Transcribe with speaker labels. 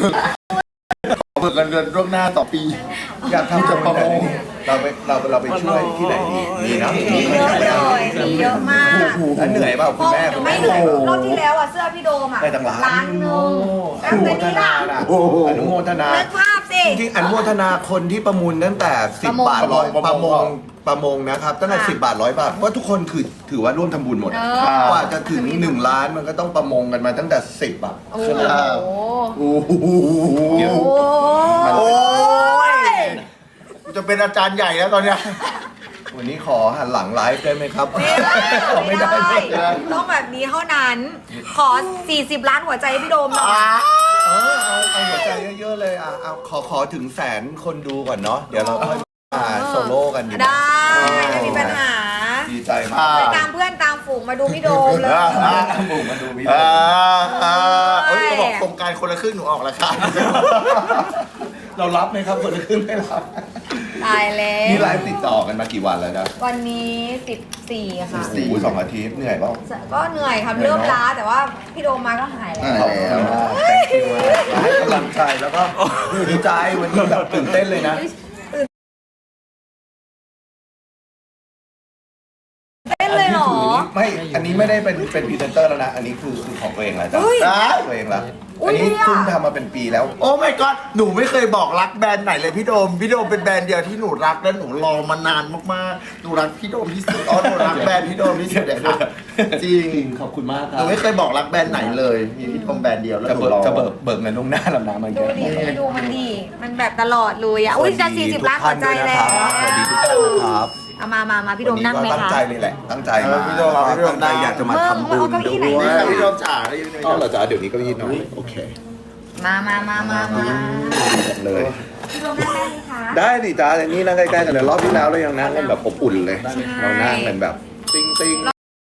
Speaker 1: เบิกเงินล่วงหน้าต่อปีอยากทำจะประมงเราไปช่วยที่ไหนดีมีนะ
Speaker 2: มีเยอะเลยมีเยอะมาก
Speaker 1: แล้วเหนื่อยเปล่าคุณแม่คุณ
Speaker 2: ไม่
Speaker 1: แม่
Speaker 2: เหนื่อยรอบที่แล้วอ่ะเสื้อพี่โดมอ่ะ
Speaker 1: ได้ตั้งล้าน
Speaker 2: หนึ่งแล้วแต่นี่ล่ะ
Speaker 1: อนุโมทนา
Speaker 2: นึกภาพสิ
Speaker 1: จริงๆอนุโมทนาคนที่ประมูลตั้งแต่10 บาทร้อยประมงนะครับตั้งแต่10 บาท100 บาทเพราะทุกคนคือถือว่าร่วมทำบุญหมดกว่าจะถึง1 ล้านมันก็ต้องประมงกันมาตั้งแต่10 บาท
Speaker 2: โอ้
Speaker 1: ใช่ไหมครับ
Speaker 2: โห
Speaker 1: โอ้โห
Speaker 2: โอ้ย
Speaker 1: จะเป็นอาจารย์ใหญ่แล้วตอนเนี้ยวันนี้ขอหันหลังไลฟ์ได้ไหมครับ
Speaker 2: ไม่ได้ต้องแบบนี้เท่านั้น ขอ 40 ล้านหัวใจให้พี่โดมหน่อย
Speaker 1: เอาหัวใจเยอะๆเลยเอาขอถึง100,000 คนดูก่อนเนาะเดี๋ยวเราค่อยมาโซโล่กันดีกว่า
Speaker 2: ได้ไม่มีปัญหา
Speaker 1: ดีใจมาก
Speaker 2: ไปตามเพื่อนตามฝูงมาดูพี่โดมเลย
Speaker 1: บุกมาดูวิดีโอเอ้ยเขาบอกโครงการคนละครึ่งหนูออกราคาเรารับไหมครับคนละครึ่งไม่รับ
Speaker 2: ตายแล้ว
Speaker 1: นี่ไลฟ์ติดต่อกันมากี่วันแล้วนะ
Speaker 2: วันนี้ 14 ค่ะ
Speaker 1: โอ้โห2 อาทิตย์เหนื่อยเปล่า
Speaker 2: ก็เหนื่อยครับเริ่มล้าแต่ว่าพี่โดมมาก็หายแล้ว
Speaker 1: ขอบคุณมากให้กำลังใจแล้วก็ดีใจวันนี้แบบตื่นเต้นเลยนะ
Speaker 2: เต้นเลยเหรอ
Speaker 1: ไม่ อันนี้ไม่ได้เป็นพรีเซนเตอร์แล้วนะ อันนี้คือของตัวเองแล้วจ้ะ
Speaker 2: เฮ้ย
Speaker 1: ตัวเองแล้ว
Speaker 2: อุ๊
Speaker 1: อั
Speaker 2: ย
Speaker 1: นนี้
Speaker 2: ดีอะ
Speaker 1: เพิ่งทำมาเป็นปีแล้ว
Speaker 3: โอ้ my god หนูไม่เคยบอกรักแบรนด์ไหนเลยพี่โดมเป็นแบรนด์เดียวที่หนูรักและหนูรอมานานมากๆหนูรักพี่โดมที่สุดหนูรักแบรนด์พี่โดมที่สุดเลยค่ะจริง
Speaker 1: ขอบคุณมากค
Speaker 3: ห
Speaker 1: รั
Speaker 3: นู
Speaker 1: บ
Speaker 3: ไม่เคยบอกรักแบรนด์ไหนเลยมีพี่โดมแบรนด์เดียวแล้ว
Speaker 1: จะ
Speaker 3: หนู
Speaker 1: เบิก
Speaker 3: รอ
Speaker 1: จะเบิกเงินล่วงหน้าแล้วนะมัน
Speaker 2: ดูดิดูมันดี มันแบบตลอดเลยอ่ะ อุ้ยจะ40 ล้านหัวใจแล้ว
Speaker 1: สวัสดีทุกท่านนะครับ
Speaker 2: เอามาพี่โดมนั่งไหม
Speaker 1: ตั้ง
Speaker 2: คะ
Speaker 1: ใจเลยแหละ ตั้งใจ
Speaker 3: พี่โดมพี่โดม
Speaker 1: ตั้งใจอยากจะมาทำบุญ
Speaker 2: เอาเก้าอี้ไหน
Speaker 1: ด้ว
Speaker 2: มา
Speaker 1: ย
Speaker 3: พี่โดมจ๋าได้ยินไหม
Speaker 1: อ๋อเราจะเดี๋ยวนี้ก็ยีน้อยโอเค
Speaker 2: มา
Speaker 1: เลย
Speaker 2: พี่โดมนั่งได้ไหมคะ
Speaker 1: ได้ดิจ้าแต่นี่นั่งใกล้ๆกันเลยรอบที่แล้วเรายังนั่งกันแบบอบอุ่นเลย เรานั่งกันแบบติ้ง